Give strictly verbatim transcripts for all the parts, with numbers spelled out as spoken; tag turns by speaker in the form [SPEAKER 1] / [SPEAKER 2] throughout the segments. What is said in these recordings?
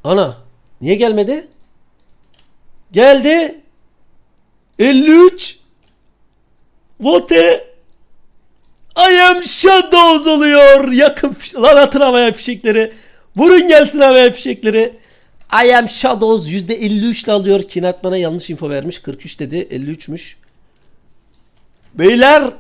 [SPEAKER 1] Ana. Niye gelmedi? Geldi. elli üç. Vote. I am Shadows oluyor. Yakın lan atın havaya fişekleri. Vurun gelsin havaya fişekleri. I am Shadows yüzde elli üç ile alıyor. Kinat bana yanlış info vermiş. kırk üç dedi. elli üçmüş. Beyler.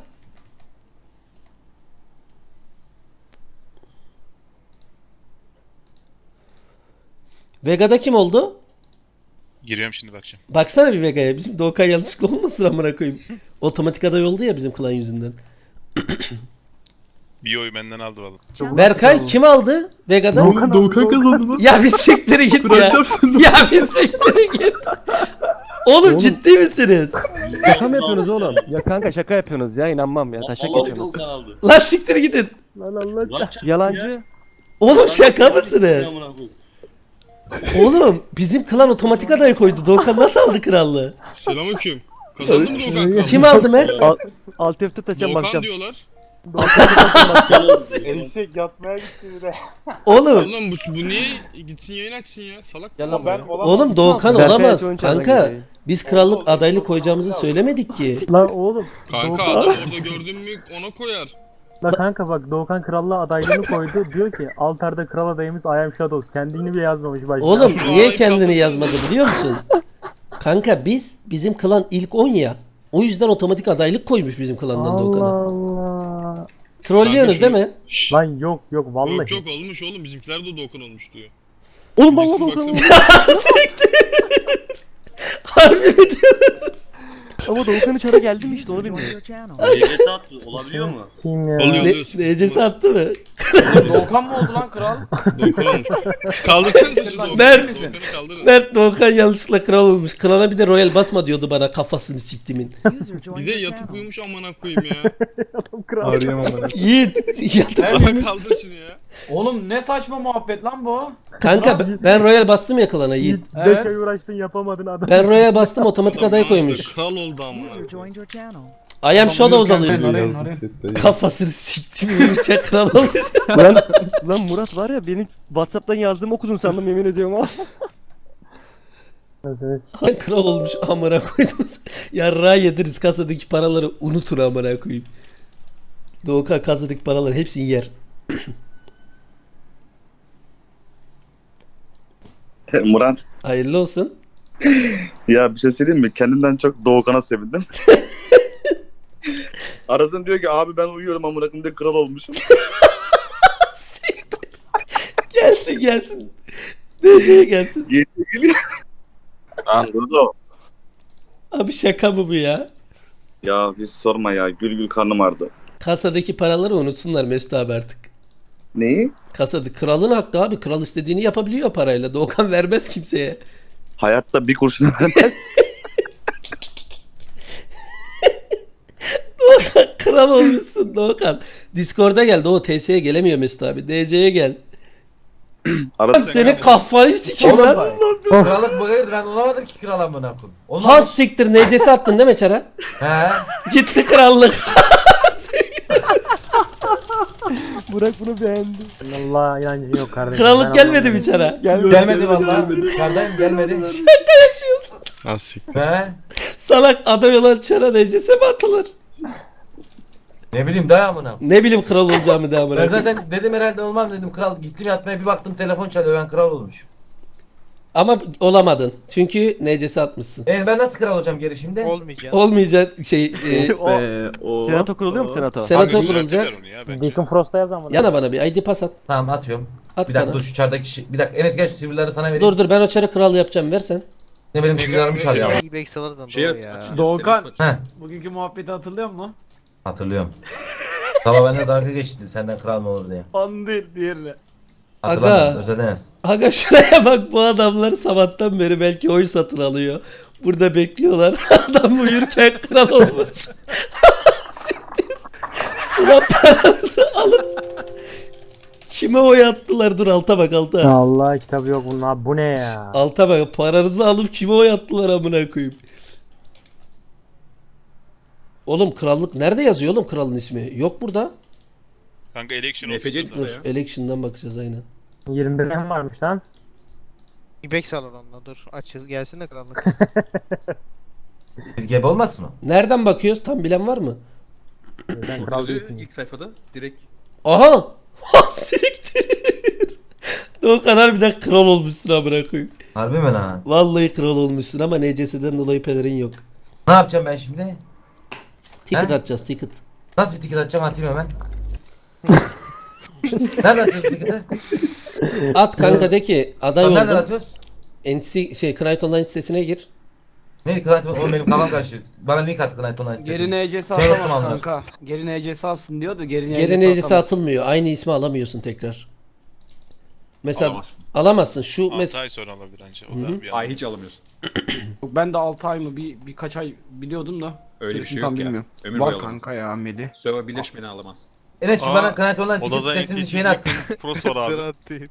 [SPEAKER 1] Vega'da kim oldu?
[SPEAKER 2] Giriyorum şimdi bakacağım.
[SPEAKER 1] Baksana bir Vega'ya. Bizim Doğukan yanlışlıkla olmasın amına koyayım. Otomatik aday oldu ya bizim klan yüzünden.
[SPEAKER 2] Bir oy benden aldı valla.
[SPEAKER 1] Berkay kim aldı Vega'da?
[SPEAKER 3] Doğukan, Doğukan kazandı lan.
[SPEAKER 1] Ya bir siktir git ya.
[SPEAKER 3] Bırakacağım seni.
[SPEAKER 1] Ya bir siktir git. Oğlum,
[SPEAKER 4] Oğlum.
[SPEAKER 1] ciddi misiniz?
[SPEAKER 4] Şaka mı yapıyorsunuz oğlum? Ya kanka şaka yapıyorsunuz ya, inanmam ya. Taşak geçiyorsunuz.
[SPEAKER 1] Lan siktir gidin.
[SPEAKER 4] Lan Allah. Yalancı.
[SPEAKER 1] Oğlum şaka mısınız? Oğlum bizim klan otomatik aday koydu. Doğukan nasıl aldı krallığı?
[SPEAKER 5] Selamünaleyküm. Kazandım Doğukan kral.
[SPEAKER 1] Kim aldı Mert?
[SPEAKER 4] Al, alt F T taçacağım
[SPEAKER 5] Doğukan
[SPEAKER 4] bakacağım.
[SPEAKER 5] diyorlar.
[SPEAKER 6] Eşek yatmaya gitti bir de.
[SPEAKER 1] Oğlum.
[SPEAKER 5] Oğlum bu, bu niye gitsin yayın açsın ya? Salak
[SPEAKER 6] Gel
[SPEAKER 5] mı
[SPEAKER 6] lan
[SPEAKER 5] bu
[SPEAKER 6] ben
[SPEAKER 5] ya?
[SPEAKER 6] olamam.
[SPEAKER 1] Oğlum Doğukan
[SPEAKER 4] Berkay
[SPEAKER 1] olamaz.
[SPEAKER 4] Çoğun çağırdan
[SPEAKER 1] Kanka
[SPEAKER 4] geliyor.
[SPEAKER 1] biz krallık adaylık koyacağımızı söylemedik ki.
[SPEAKER 7] Lan oğlum.
[SPEAKER 5] Kanka
[SPEAKER 7] Doğukan-
[SPEAKER 5] adam orada gördün mü ona koyar.
[SPEAKER 7] La kanka bak Doğukan krallığa adaylığını koydu. Diyor ki altarda kral adayımız I am Shadows. Kendini bile yazmamış başta.
[SPEAKER 1] Oğlum
[SPEAKER 5] Şu
[SPEAKER 1] niye
[SPEAKER 5] adayı
[SPEAKER 1] kendini
[SPEAKER 5] kaldırsın.
[SPEAKER 1] yazmadı biliyor musun? Kanka biz bizim klan ilk on ya. O yüzden otomatik adaylık koymuş bizim klandan
[SPEAKER 7] Allah
[SPEAKER 1] Doğukan'a.
[SPEAKER 7] Allah.
[SPEAKER 1] Trollüyorsunuz
[SPEAKER 5] Kanka
[SPEAKER 1] değil
[SPEAKER 5] şu-
[SPEAKER 1] mi?
[SPEAKER 5] Şşş.
[SPEAKER 7] Lan yok yok vallahi.
[SPEAKER 5] Yok yok olmuş oğlum bizimkiler de Doğukan olmuş diyor.
[SPEAKER 4] Oğlum vallahi
[SPEAKER 5] Birisi
[SPEAKER 4] Doğukan
[SPEAKER 5] baksana.
[SPEAKER 4] oldu.
[SPEAKER 1] Harbi mi diyorsunuz?
[SPEAKER 4] Ama Doğukan içeri geldi mi işte onu bilmiyorum.
[SPEAKER 8] N C S attı olabiliyor mu?
[SPEAKER 7] Kim ya?
[SPEAKER 5] Oluyor.
[SPEAKER 1] Ne, necesi attı mı?
[SPEAKER 8] Doğukan mı oldu lan kral?
[SPEAKER 5] Doğukan olmuş. Kaldırsanıza şu Doğukan'ı.
[SPEAKER 1] Ben-
[SPEAKER 5] Doğukan'ı kaldırın.
[SPEAKER 1] Mert Doğukan yanlışlıkla kral olmuş. Klana bir de royal basma diyordu bana, kafasını siktimin.
[SPEAKER 5] Bir de yatıp uyumuş amına koyayım ya.
[SPEAKER 7] Adam kral.
[SPEAKER 3] Arayamam onu.
[SPEAKER 1] Yiğit yatıp
[SPEAKER 5] Bana
[SPEAKER 1] uyumuş.
[SPEAKER 5] kaldır şunu ya.
[SPEAKER 8] Oğlum ne saçma muhabbet lan bu?
[SPEAKER 1] Kanka ben, ben royal bastım ya klana Yiğit.
[SPEAKER 7] Yiğit beş
[SPEAKER 8] Evet.
[SPEAKER 7] ay uğraştın yapamadın adam.
[SPEAKER 1] Ben royal bastım otomatik
[SPEAKER 5] Adam
[SPEAKER 1] aday
[SPEAKER 5] maaşla
[SPEAKER 1] koymuş.
[SPEAKER 5] Kral oldu amına.
[SPEAKER 1] I am Shadows
[SPEAKER 8] Arayın,
[SPEAKER 1] alıyor.
[SPEAKER 8] arayın, arayın.
[SPEAKER 1] Kafasını siktim uyurken kral olmuş.
[SPEAKER 4] Lan, lan Murat var ya, benim Whatsapp'tan yazdığımı okudun sandım, yemin ediyorum ha.
[SPEAKER 1] Lan kral olmuş amına koydum. Yarrağı yediriz, kasadaki paraları unutun amına koyayım. Doğukan kasadaki paraları hepsini yer.
[SPEAKER 9] Murat,
[SPEAKER 1] Hayırlı olsun.
[SPEAKER 9] ya bir şey söyleyeyim mi? Kendimden çok Doğukan'a sevindim. Aradım diyor ki abi ben uyuyorum amına koyayım diye kral olmuşum.
[SPEAKER 1] Siktir. Gelsin gelsin. D C'ye gelsin.
[SPEAKER 9] Geliyor geliyor. Lan Dudu.
[SPEAKER 1] Abi şaka mı bu ya?
[SPEAKER 9] Ya hiç sorma ya gül gül karnım ağrıdı.
[SPEAKER 1] Kasadaki paraları unutsunlar Mesut abi artık.
[SPEAKER 9] Neyi?
[SPEAKER 1] Kasada kralın hakkı abi. Kral istediğini yapabiliyor parayla. Doğukan vermez kimseye.
[SPEAKER 9] Hayatta bir kurşun vermez.
[SPEAKER 1] Doğukan kral olmuşsun Doğukan. Discord'a gel. Doğu T S'ye gelemiyor Mesut abi. D C'ye gel.
[SPEAKER 9] Aradım.
[SPEAKER 1] Senin kafayı sikeyim lan.
[SPEAKER 6] Krallık bu değil, ben olamadım ki kral amına koyayım.
[SPEAKER 1] Has siktir, N C'si attın değil mi Çara?
[SPEAKER 6] He.
[SPEAKER 1] Gitti krallık.
[SPEAKER 4] Burak bunu beğendi.
[SPEAKER 7] Allah inancın yok kardeşim.
[SPEAKER 1] Krallık
[SPEAKER 7] Ben
[SPEAKER 1] gelmedi
[SPEAKER 7] anlamadım.
[SPEAKER 1] mi Çara?
[SPEAKER 6] Gelmedi vallahi. Dışarıdayım gelmedi.
[SPEAKER 5] Az siktir.
[SPEAKER 6] He.
[SPEAKER 1] Salak adam olan Çara N C'si mi atılır?
[SPEAKER 6] Ne bileyim daha amına.
[SPEAKER 1] Ne bileyim kral olacağımı da amına
[SPEAKER 6] Ben
[SPEAKER 1] koyayım.
[SPEAKER 6] zaten dedim herhalde olmam dedim kral, gittim yatmaya bir baktım telefon çalıyor, ben kral olmuşum.
[SPEAKER 1] Ama olamadın. Çünkü N C'si atmışsın.
[SPEAKER 6] E ben nasıl kral olacağım geri şimdi?
[SPEAKER 2] Olmayacak.
[SPEAKER 1] Olmayacak şey e,
[SPEAKER 4] Senato kuruluyor mu senato?
[SPEAKER 1] senato
[SPEAKER 5] Abi,
[SPEAKER 1] kurulacak.
[SPEAKER 5] düzeltirler onu ya bence.
[SPEAKER 7] Deacon Frost'a yaz ama.
[SPEAKER 1] Yana bana bir I D pas at.
[SPEAKER 6] Tamam atıyorum.
[SPEAKER 1] At
[SPEAKER 6] Bir dakika
[SPEAKER 1] bana.
[SPEAKER 6] dur şu çardaki şey. Bir dakika Enes gel şu sivrileri sana vereyim.
[SPEAKER 1] Dur dur ben o Çara kral yapacağım, versen.
[SPEAKER 6] Ne benim sivrilerimi çalıyor ama.
[SPEAKER 2] İyi alırdın
[SPEAKER 5] Şey
[SPEAKER 2] doğru
[SPEAKER 5] at-
[SPEAKER 2] ya.
[SPEAKER 8] Doğukan
[SPEAKER 6] Heh
[SPEAKER 8] bugünkü muhabbeti hatırlıyor musun?
[SPEAKER 6] hatırlıyorum. Sabah bende dalga geçti senden kral mı olur diye.
[SPEAKER 8] Onu değil diğerini.
[SPEAKER 6] Hatırlamıyorum
[SPEAKER 1] Aga.
[SPEAKER 6] özledin Enes.
[SPEAKER 1] Aga şuraya bak, bu adamlar sabahtan beri belki oy satın alıyor. Burada bekliyorlar. Adam uyurken kral olmuş. Siktir. Ulan paranızı alıp kime oy attılar? Dur alta bak alta.
[SPEAKER 7] Allah kitabı yok bunun abi. Bu ne ya?
[SPEAKER 1] Alta bak, paranızı alıp kime oy attılar amına koyayım. Oğlum krallık nerede yazıyor oğlum, kralın ismi? Yok burada.
[SPEAKER 2] Kanka election
[SPEAKER 5] N F C
[SPEAKER 2] ofisinde.
[SPEAKER 1] Dur election'dan bakacağız aynen.
[SPEAKER 7] yirmi birden varmış lan.
[SPEAKER 10] İbek salonunda dur. Açız gelsin de krallık.
[SPEAKER 6] Bir gebe olmasın o?
[SPEAKER 1] Nereden bakıyoruz? Tam bilen var mı?
[SPEAKER 7] Sen kral değilsin.
[SPEAKER 11] İlk sayfada direkt.
[SPEAKER 1] Aha! Siktir. O kadar bir de kral olmuşsun amına koyayım.
[SPEAKER 6] Harbi mi lan?
[SPEAKER 1] Vallahi kral olmuşsun ama N C S'den dolayı pelerin yok.
[SPEAKER 6] Ne yapacağım ben şimdi?
[SPEAKER 1] Ticket
[SPEAKER 6] He?
[SPEAKER 1] atacağız ticket.
[SPEAKER 6] Nasıl bir ticket atacağım atayım hemen. Nereden atıyoruz ticket'ı?
[SPEAKER 1] At kanka de ki aday
[SPEAKER 6] Lan nereden
[SPEAKER 1] oldum.
[SPEAKER 6] atıyoruz?
[SPEAKER 1] N C şey Knight Online sitesine gir.
[SPEAKER 6] Ne Knight Online? Benim kafam karışık. Bana link at Knight Online sitesine.
[SPEAKER 8] Geri N C S
[SPEAKER 6] Sen
[SPEAKER 8] atamaz
[SPEAKER 6] unutma
[SPEAKER 8] kanka. Geri N C S alsın diyordu. Geri N C S
[SPEAKER 1] Geri N C S
[SPEAKER 8] atamaz.
[SPEAKER 1] atılmıyor. Aynı ismi alamıyorsun tekrar. Mesela
[SPEAKER 11] Alamazsın.
[SPEAKER 1] alamazsın. Şu
[SPEAKER 2] altı
[SPEAKER 1] mes
[SPEAKER 2] ay sonra alabilir anca. O
[SPEAKER 1] Hı hı.
[SPEAKER 2] da bir
[SPEAKER 11] Ay
[SPEAKER 2] an.
[SPEAKER 11] hiç alamıyorsun.
[SPEAKER 8] Yok, ben de altı ay mı bir birkaç ay biliyordum da.
[SPEAKER 11] Öyle bir
[SPEAKER 8] Gerisini
[SPEAKER 11] şey
[SPEAKER 8] tam
[SPEAKER 11] yok ya.
[SPEAKER 8] bilmiyorum.
[SPEAKER 11] Ömür
[SPEAKER 8] Var
[SPEAKER 11] boyu alamazsın.
[SPEAKER 8] kanka ya Medi.
[SPEAKER 11] Server birleşmeni alamaz.
[SPEAKER 6] Enes şu
[SPEAKER 5] Aa,
[SPEAKER 6] bana Knight Online ticket
[SPEAKER 5] Odada
[SPEAKER 6] sitesinin
[SPEAKER 5] en
[SPEAKER 6] şeyini at.
[SPEAKER 5] Pros var abi.
[SPEAKER 10] Kral değil.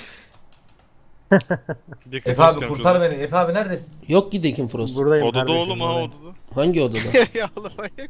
[SPEAKER 5] Deki
[SPEAKER 6] Efe
[SPEAKER 5] Pros
[SPEAKER 6] abi
[SPEAKER 5] yapıyoruz.
[SPEAKER 6] kurtar beni. Efe abi neredesin?
[SPEAKER 1] yok ki Dekin Frost.
[SPEAKER 7] Buradayım
[SPEAKER 5] Odada
[SPEAKER 7] kardeşim,
[SPEAKER 5] oğlum ha
[SPEAKER 7] buradayım.
[SPEAKER 5] odada.
[SPEAKER 1] Hangi odada?
[SPEAKER 10] Ya oğlum manyak.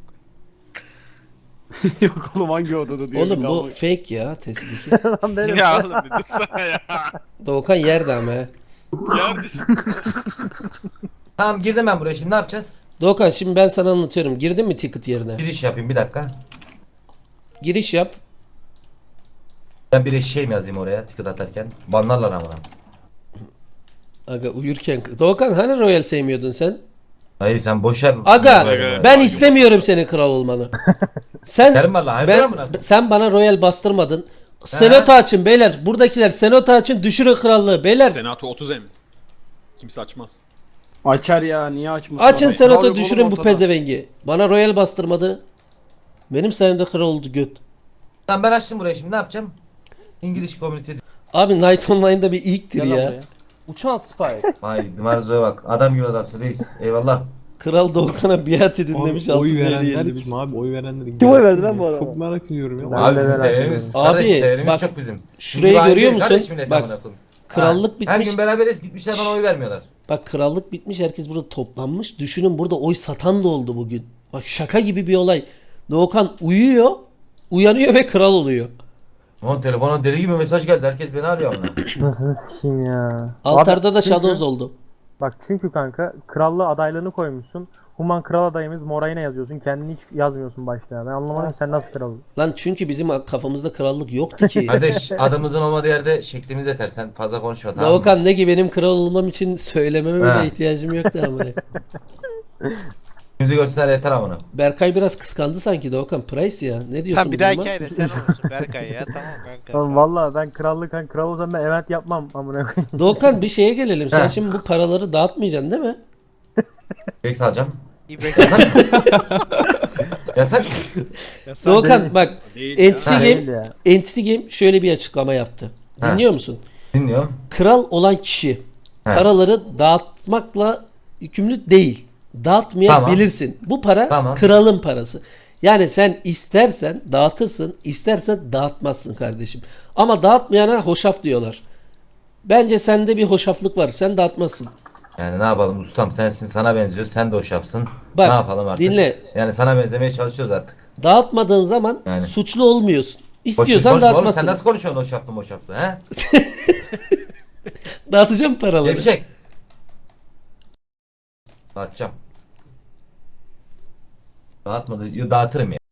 [SPEAKER 8] Yok oğlum hangi odada diyor.
[SPEAKER 1] Oğlum
[SPEAKER 8] bir
[SPEAKER 1] bu
[SPEAKER 8] daha bak.
[SPEAKER 1] fake ya testdeki.
[SPEAKER 7] Lan benim.
[SPEAKER 5] Ya oğlum bir dursana ya.
[SPEAKER 1] Doğukan yerde ama he.
[SPEAKER 5] Ya
[SPEAKER 6] Tamam girdim ben buraya şimdi ne yapacağız?
[SPEAKER 1] Doğukan şimdi ben sana anlatıyorum. Girdin mi ticket yerine?
[SPEAKER 6] Giriş yapayım bir dakika.
[SPEAKER 1] Giriş yap.
[SPEAKER 6] Ben bir eşeğim yazayım oraya ticket atarken. Banlarlar ama.
[SPEAKER 1] Aga uyurken. Doğukan hani Royal sevmiyordun sen?
[SPEAKER 6] Hayır sen boşver.
[SPEAKER 1] Aga
[SPEAKER 6] Böyle-
[SPEAKER 1] ben istemiyorum senin kral olmanı. Sen
[SPEAKER 6] Derim valla hayır
[SPEAKER 1] ben,
[SPEAKER 6] ben,
[SPEAKER 1] sen bana Royal bastırmadın. Senato açın beyler. Buradakiler Senato açın düşürün krallığı beyler.
[SPEAKER 11] Senato otuz em. Kimse açmaz.
[SPEAKER 8] Açar ya niye açmasın?
[SPEAKER 1] Açın
[SPEAKER 8] Abi,
[SPEAKER 1] Senato
[SPEAKER 8] kral yok
[SPEAKER 1] düşürün
[SPEAKER 8] oğlum
[SPEAKER 1] bu
[SPEAKER 8] ortada.
[SPEAKER 1] pezevengi. Bana Royal bastırmadı. Benim sayemde kral oldu göt.
[SPEAKER 6] Tamam ben açtım burayı şimdi ne yapacağım? İngiliz Community.
[SPEAKER 1] Abi Night Online'da bir ilktir
[SPEAKER 8] Gel lan
[SPEAKER 1] ya.
[SPEAKER 8] buraya.
[SPEAKER 4] Uçan Spike.
[SPEAKER 6] Vay Marzo'ya bak. Adam gibi adamsın reis. Eyvallah.
[SPEAKER 1] Kral Doğukan'a biat edin
[SPEAKER 3] Abi,
[SPEAKER 1] demiş altın
[SPEAKER 3] oy
[SPEAKER 1] değeri
[SPEAKER 3] verenler
[SPEAKER 1] demiş.
[SPEAKER 3] kim abi? Oy verenler
[SPEAKER 4] Kim oy verdi lan bu adama?
[SPEAKER 3] Çok merak ediyorum ya.
[SPEAKER 7] Ben
[SPEAKER 6] Abi
[SPEAKER 7] de
[SPEAKER 6] bizim
[SPEAKER 7] merak
[SPEAKER 6] severimiz.
[SPEAKER 7] ediyorum.
[SPEAKER 6] Kardeş
[SPEAKER 1] Abi,
[SPEAKER 6] severimiz
[SPEAKER 1] bak,
[SPEAKER 6] çok bizim.
[SPEAKER 1] şurayı
[SPEAKER 6] Bizim
[SPEAKER 1] görüyor
[SPEAKER 6] aile,
[SPEAKER 1] musun?
[SPEAKER 6] kardeş millet
[SPEAKER 1] Bak,
[SPEAKER 6] amına koyayım.
[SPEAKER 1] krallık
[SPEAKER 6] Ha,
[SPEAKER 1] bitmiş.
[SPEAKER 6] Her gün beraberiz gitmişler bana oy vermiyorlar.
[SPEAKER 1] Bak krallık bitmiş herkes burada toplanmış. Düşünün burada oy satan da oldu bugün. Bak şaka gibi bir olay. Doğukan uyuyor. Uyanıyor ve kral oluyor.
[SPEAKER 6] Lan telefona deli gibi mesaj geldi. Herkes beni arıyor ama.
[SPEAKER 7] Nasıl sikeyim ya.
[SPEAKER 1] Altarda
[SPEAKER 7] Abi,
[SPEAKER 1] da
[SPEAKER 7] çünkü-
[SPEAKER 1] Shadows oldu.
[SPEAKER 7] Bak çünkü kanka krallığı adaylığını koymuşsun. Human kral adayımız Morayna yazıyorsun. Kendini hiç yazmıyorsun başta. Ben anlamadım sen nasıl kral oldun?
[SPEAKER 1] Lan çünkü bizim kafamızda krallık yoktu ki.
[SPEAKER 6] Kardeş adımızın olmadığı yerde şeklimiz yeter. Sen fazla konuşma tamam mı?
[SPEAKER 1] Doğukan ne ki benim kral olmam için söylememe
[SPEAKER 6] Ha.
[SPEAKER 1] bile ihtiyacım yoktu amına.
[SPEAKER 6] Yüzü göster yeter amına.
[SPEAKER 1] Berkay biraz kıskandı sanki Doğukan. Price ya. Ne diyorsun
[SPEAKER 10] Tamam bir
[SPEAKER 1] bu
[SPEAKER 10] dahaki
[SPEAKER 1] duruma?
[SPEAKER 10] ayda sen olursun Berkay ya. Tamam kanka.
[SPEAKER 7] Oğlum
[SPEAKER 10] sağ ol.
[SPEAKER 7] valla ben krallık hani kral olsam ben event yapmam amına koyayım.
[SPEAKER 1] Doğukan bir şeye gelelim. Sen
[SPEAKER 6] Ha.
[SPEAKER 1] şimdi bu paraları dağıtmayacaksın değil mi?
[SPEAKER 6] Bek alacağım.
[SPEAKER 10] İbek.
[SPEAKER 6] Yasak. Yasak.
[SPEAKER 10] Ya sen-
[SPEAKER 1] Doğukan bak
[SPEAKER 11] Değil
[SPEAKER 1] Entity
[SPEAKER 11] ya.
[SPEAKER 7] Değil
[SPEAKER 1] Game,
[SPEAKER 7] ya.
[SPEAKER 1] Entity Game şöyle bir açıklama yaptı.
[SPEAKER 6] Ha.
[SPEAKER 1] Dinliyor musun?
[SPEAKER 6] Dinliyorum.
[SPEAKER 1] Kral olan kişi
[SPEAKER 6] Ha.
[SPEAKER 1] paraları dağıtmakla yükümlü değil. Dağıtmayabilirsin. Bu para
[SPEAKER 6] Tamam.
[SPEAKER 1] kralın parası. Yani sen istersen dağıtırsın, istersen dağıtmazsın kardeşim. Ama dağıtmayana hoşaf diyorlar. Bence sende bir hoşaflık var. Sen dağıtmazsın.
[SPEAKER 6] Yani ne yapalım ustam sensin sana benziyor sen de o şafsın.
[SPEAKER 1] Bak,
[SPEAKER 6] ne yapalım artık?
[SPEAKER 1] dinle.
[SPEAKER 6] Yani sana benzemeye çalışıyoruz artık.
[SPEAKER 1] Dağıtmadığın zaman
[SPEAKER 6] Yani.
[SPEAKER 1] suçlu olmuyorsun.
[SPEAKER 6] Boş
[SPEAKER 1] İstiyorsan
[SPEAKER 6] konuşma oğlum
[SPEAKER 1] dağıtmazsın.
[SPEAKER 6] sen nasıl konuşuyorsun o şaflı o şaflı he?
[SPEAKER 1] Dağıtacağım paraları.
[SPEAKER 6] Gevşek. Dağıtacağım. Dağıtmadı. Yo, dağıtırım ya.